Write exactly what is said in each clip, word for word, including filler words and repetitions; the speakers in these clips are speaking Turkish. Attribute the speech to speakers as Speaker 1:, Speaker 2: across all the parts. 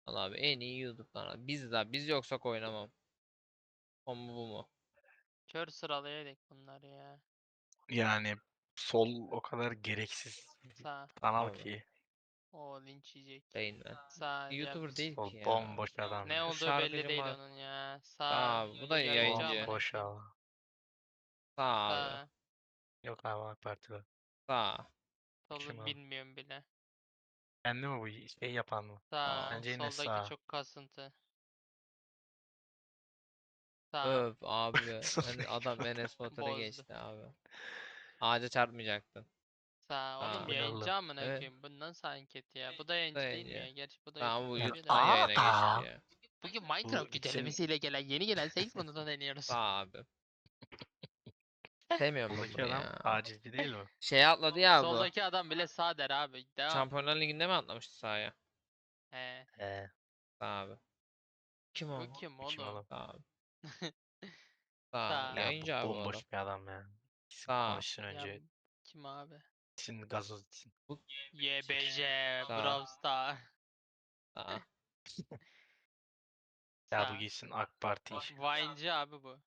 Speaker 1: Allah abi en iyi YouTube kanalı. Biz de biz yoksak oynamam. O mu bu mu?
Speaker 2: Kör sıralayaydık bunları ya.
Speaker 3: Yani sol o kadar gereksiz
Speaker 2: Sağ.
Speaker 3: kanal
Speaker 1: Abi.
Speaker 3: ki.
Speaker 2: O linç yiyecek.
Speaker 1: Rain Man.
Speaker 2: Sağ yap.
Speaker 1: YouTuber değil
Speaker 3: Sol
Speaker 1: ki ya.
Speaker 3: bomboş adam
Speaker 2: Ne
Speaker 3: ya.
Speaker 2: olduğu belli
Speaker 1: Şarkıcı
Speaker 2: değil
Speaker 1: mı?
Speaker 2: onun ya. Sağ.
Speaker 1: Abi bu da
Speaker 2: Yayıncı
Speaker 1: yayıncı.
Speaker 2: amına
Speaker 3: Bomboş
Speaker 2: koyayım.
Speaker 3: abi.
Speaker 1: Sağ abi.
Speaker 2: Sağ.
Speaker 3: Yok abi AK Parti'de.
Speaker 1: Sağ.
Speaker 3: Kim
Speaker 2: Solu
Speaker 3: abi?
Speaker 2: bilmiyorum bile.
Speaker 3: Kendi mi bu şey yapan mı?
Speaker 2: Sağ.
Speaker 1: Sağ.
Speaker 3: Bence yine
Speaker 2: Soldaki
Speaker 3: sağ.
Speaker 2: çok kasıntı. Sağ.
Speaker 1: Öf abi. En- adam Enes Batur'a
Speaker 2: Bozdu.
Speaker 1: geçti abi. Ağaca çarpmayacaktın.
Speaker 2: Sağ. Oğlum
Speaker 1: Sağ.
Speaker 3: Bu ne
Speaker 2: yayıncı
Speaker 3: oğlum?
Speaker 2: amına
Speaker 1: Evet.
Speaker 2: koyayım. Bu nasıl anket ya? Bu da
Speaker 1: Bu da
Speaker 2: yayıncı değil mi
Speaker 1: yayıncı.
Speaker 2: ya? Gerçi bu da
Speaker 1: Tamam bu
Speaker 2: YouTuber
Speaker 3: Yani
Speaker 2: yapıyor da.
Speaker 1: YouTube'dan yayına geçti
Speaker 3: aa,
Speaker 1: ya.
Speaker 2: Bugün
Speaker 3: bu
Speaker 2: Minecraft
Speaker 3: gitsin
Speaker 2: güncellemesiyle gelen yeni gelen Saints modunu deniyoruz.
Speaker 1: Sağ abi. Sevmiyorum ben
Speaker 3: soldaki
Speaker 1: bunu
Speaker 3: adam
Speaker 1: ya.
Speaker 3: tacizci değil mi?
Speaker 1: Şey atladı ya bu.
Speaker 2: Soldaki adam bile sağ der abi. Devam.
Speaker 1: Şampiyonlar Ligi'nde mi atlamıştı sahaya?
Speaker 2: He.
Speaker 3: He.
Speaker 1: Sağ abi. Kim o?
Speaker 2: Bu kim
Speaker 3: Bu kim
Speaker 2: oğlum?
Speaker 3: oğlum?
Speaker 1: Sağ abi. Sağ.
Speaker 2: Sağ.
Speaker 3: Ya bu
Speaker 1: Yayıncı abi bu adam.
Speaker 3: bomboş bir adam ya. İsim
Speaker 1: Sağ.
Speaker 3: konuşsun
Speaker 2: Ya
Speaker 3: önce.
Speaker 2: kim abi?
Speaker 3: İsim gazoz için.
Speaker 2: Y B J.
Speaker 1: Sağ.
Speaker 2: Brawl Star.
Speaker 1: Sağ.
Speaker 3: Ya bu
Speaker 2: Sağ.
Speaker 3: gitsin AK Parti işi.
Speaker 2: Vine'ci abi bu.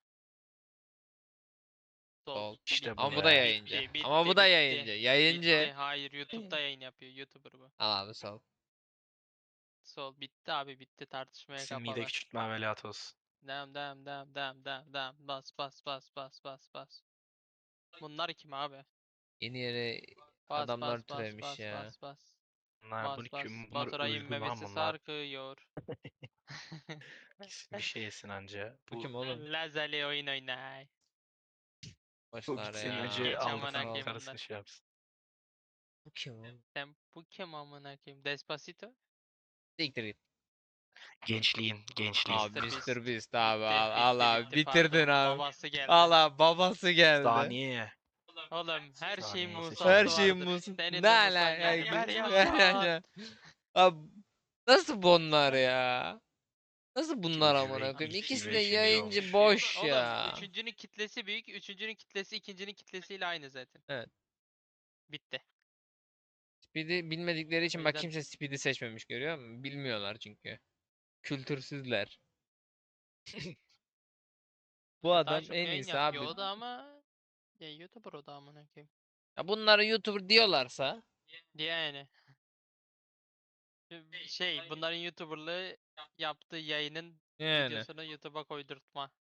Speaker 2: Sol.
Speaker 1: Sol.
Speaker 3: İşte
Speaker 2: Bitti.
Speaker 3: bu
Speaker 1: Ama bu da
Speaker 3: ya.
Speaker 1: yayıncı.
Speaker 2: Bitti, bitti,
Speaker 1: Ama bu da
Speaker 2: bitti.
Speaker 1: yayıncı. Yayıncı.
Speaker 2: Bitti. Hayır, YouTube'da yayın yapıyor. YouTuber bu.
Speaker 1: Al abi sol.
Speaker 2: Sol. Bitti abi, bitti. Tartışmaya
Speaker 3: İsim mide
Speaker 2: kapalı.
Speaker 3: küçültme ameliyatı olsun.
Speaker 2: Devam, devam, devam, devam, devam, devam. Bas, bas, bas, bas, bas, bas. Bunlar kim abi?
Speaker 1: Yeni yere
Speaker 2: Bas,
Speaker 1: adamlar
Speaker 2: bas, bas,
Speaker 1: türemiş
Speaker 2: bas,
Speaker 1: ya.
Speaker 2: bas, bas.
Speaker 3: Bunlar bunu
Speaker 2: Bas, bas.
Speaker 3: kim? Bunlar
Speaker 2: Baturay'ın
Speaker 3: ölgü lan
Speaker 2: memesi
Speaker 3: bunlar.
Speaker 2: sarkıyor.
Speaker 3: Gitsin bir şey yesin anca.
Speaker 1: Bu
Speaker 3: Bu,
Speaker 1: kim oğlum?
Speaker 2: Lazali oyun oynay.
Speaker 3: bu
Speaker 1: Başlar
Speaker 3: gitsin
Speaker 1: ya.
Speaker 3: önce
Speaker 2: Geç amına
Speaker 3: aldatan
Speaker 2: koyayım
Speaker 3: karısını
Speaker 2: bunlar.
Speaker 3: şey yapsın.
Speaker 1: Bu kim oğlum?
Speaker 2: Sen bu kim amına koyayım? Despacito?
Speaker 1: Siktir git.
Speaker 3: Gençliğin, gençliğin.
Speaker 1: Abi
Speaker 2: mister Beast.
Speaker 1: mister Beast abi
Speaker 2: Bitti,
Speaker 1: al, al
Speaker 2: bitti,
Speaker 1: abi
Speaker 2: bitti,
Speaker 1: bitirdin
Speaker 2: pardon.
Speaker 1: abi.
Speaker 2: Babası geldi.
Speaker 1: Al abi babası geldi.
Speaker 3: Saniye.
Speaker 2: Oğlum her şeyin
Speaker 3: Saniye
Speaker 2: Musa'sı
Speaker 1: Her
Speaker 3: seçelim.
Speaker 1: şeyin
Speaker 2: vardır.
Speaker 1: musun?
Speaker 2: Senin
Speaker 1: Ne
Speaker 2: de Musan
Speaker 1: alaka?
Speaker 2: geldi. Ver
Speaker 1: Ya.
Speaker 2: yaşan.
Speaker 1: Abi nasıl bunlar ya? Nasıl bunlar
Speaker 3: İkinci
Speaker 1: amına
Speaker 3: ve,
Speaker 1: koyayım?
Speaker 3: ilk
Speaker 1: İkisi
Speaker 3: ve
Speaker 1: de
Speaker 3: üçüncü
Speaker 1: yayıncı
Speaker 3: olmuş.
Speaker 1: boş
Speaker 2: Oğlum
Speaker 1: ya.
Speaker 2: üçüncünün kitlesi büyük. Üçüncünün kitlesi ikincinin kitlesiyle aynı zaten.
Speaker 1: Evet.
Speaker 2: Bitti.
Speaker 1: Speed'i bilmedikleri
Speaker 2: O
Speaker 1: için bak
Speaker 2: yüzden
Speaker 1: kimse Speed'i seçmemiş görüyor musun? Bilmiyorlar çünkü. Kültürsüzler. Bu
Speaker 2: ya daha
Speaker 1: adam
Speaker 2: çok
Speaker 1: en
Speaker 2: yayın
Speaker 1: iyisi abi.
Speaker 2: yapıyor o da ama ya YouTuber o da amına koyayım.
Speaker 1: Ya bunları YouTuber diyorlarsa
Speaker 2: Yani şey bunların YouTuber'lığı yaptığı yayının
Speaker 1: yani.
Speaker 2: videosunu YouTube'a koydurtma.